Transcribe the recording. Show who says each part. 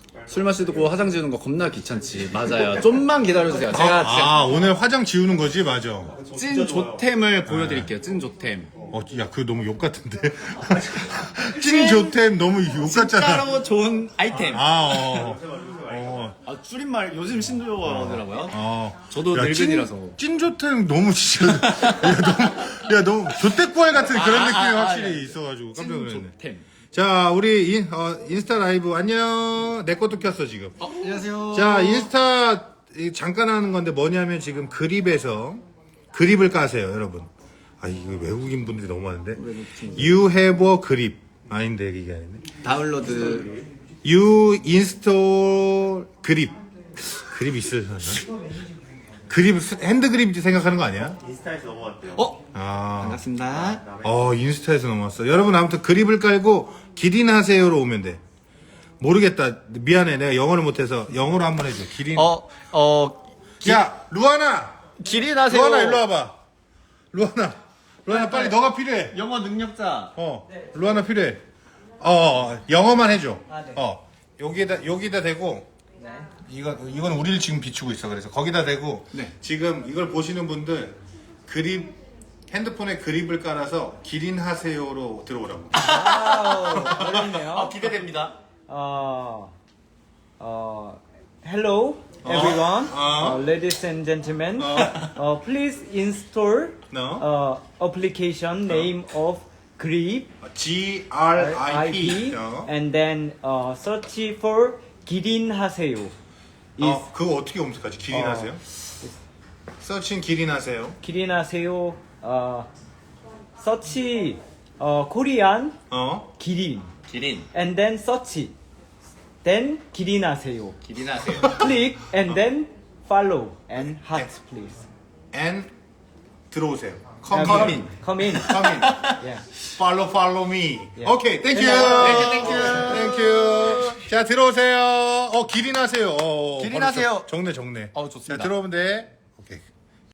Speaker 1: 술 마시고 화장 지우는 거 겁나 귀찮지. 맞아요. 좀만 기다려주세요. 제가 진짜
Speaker 2: 오늘 화장 지우는 거지? 맞아.
Speaker 1: 찐 조템을 보여드릴게요. 찐 조템.
Speaker 2: 야, 그거 너무 욕 같은데. 찐 조템 너무 욕 같잖아.
Speaker 1: 진짜로 좋은 아이템. 줄임말 요즘 신조어더라고요. 저도 늙은이라서.
Speaker 2: 찐 조템 너무 진짜. 야, 너무 조태꾸알 같은 그런 느낌이 확실히 있어가지고 깜짝
Speaker 1: 찐
Speaker 2: 놀랐네.
Speaker 1: 조템.
Speaker 2: 자, 우리 인스타 라이브 안녕. 내 것도 켰어 지금.
Speaker 1: 안녕하세요.
Speaker 2: 자, 인스타 잠깐 하는 건데 뭐냐면 지금 그립에서 그립을 까세요, 여러분. 이거 외국인 분들이 너무 많은데. You have a 그립. 아닌데 이게 아니네.
Speaker 1: 다운로드.
Speaker 2: You install 그립. 그립 있으려나? 그립 핸드 그립 생각하는 거 아니야?
Speaker 3: 인스타에서 넘어왔대요.
Speaker 1: 반갑습니다.
Speaker 2: 인스타에서 넘어왔어. 여러분 아무튼 그립을 깔고 기린하세요로 오면 돼. 모르겠다. 미안해. 내가 영어를 못해서 영어로 한번 해줘. 기린. 야, 루아나.
Speaker 1: 기린하세요.
Speaker 2: 루아나 일로 와봐. 루아나 빨리 너가 필요해.
Speaker 1: 영어 능력자.
Speaker 2: 루아나 필요해. 영어만 해줘.
Speaker 4: 네.
Speaker 2: 여기다 대고.
Speaker 4: 네.
Speaker 2: 이건 우리를 지금 비추고 있어. 그래서 거기다 대고.
Speaker 1: 네.
Speaker 2: 지금 이걸 보시는 분들 그립 핸드폰에 그립을 깔아서 기린하세요로 들어오라고.
Speaker 4: 어렵네요.
Speaker 1: 기대됩니다.
Speaker 4: Hello, everyone, ladies and gentlemen. Please install application name of Grip,
Speaker 2: GRIP.
Speaker 4: and then search for 기린하세요.
Speaker 2: 그거 어떻게 검색하지? 기린하세요? 서칭 기린하세요.
Speaker 4: 기린하세요. search Korean 기린,
Speaker 1: 기린.
Speaker 4: and then search, then 기린하세요.
Speaker 1: 기린하세요.
Speaker 4: Click and then follow and heart, please.
Speaker 2: And 들어오세요.
Speaker 4: Come
Speaker 2: Come
Speaker 4: in.
Speaker 2: in.
Speaker 4: Come in.
Speaker 2: Come in.
Speaker 4: Yeah.
Speaker 2: Follow me.
Speaker 4: Yeah.
Speaker 2: Okay, thank you.
Speaker 1: Thank you.
Speaker 2: Thank you. 자, 들어오세요. 기린하세요.
Speaker 1: 기린하세요.
Speaker 2: 정네.
Speaker 1: 좋습니다.
Speaker 2: 자, 들어오면 돼.